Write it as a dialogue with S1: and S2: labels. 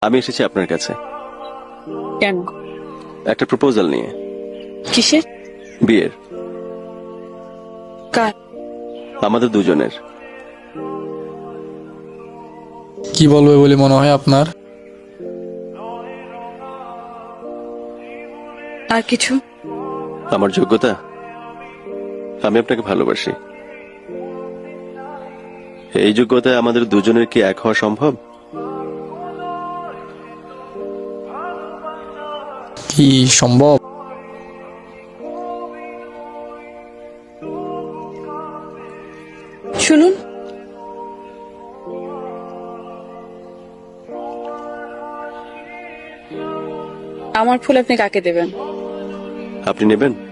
S1: আমি এসেছি আপনার কাছে
S2: কেন?
S1: একটা প্রপোজাল নিয়ে।
S2: কিসের?
S1: বিয়ের।
S2: কার?
S1: আমাদের দুজনের।
S3: কি বলবে বলে মনে হয় আপনার?
S2: আর কিছু?
S1: আমার যোগ্যতা, আমি আপনাকে ভালোবাসি। এই যোগ্যতায় আমাদের দুজনের কি এক হওয়া সম্ভব?
S3: কি সম্ভব?
S2: শুনুন, আমার ফুল আপনি কাকে দেবেন?
S1: আপনি নেবেন?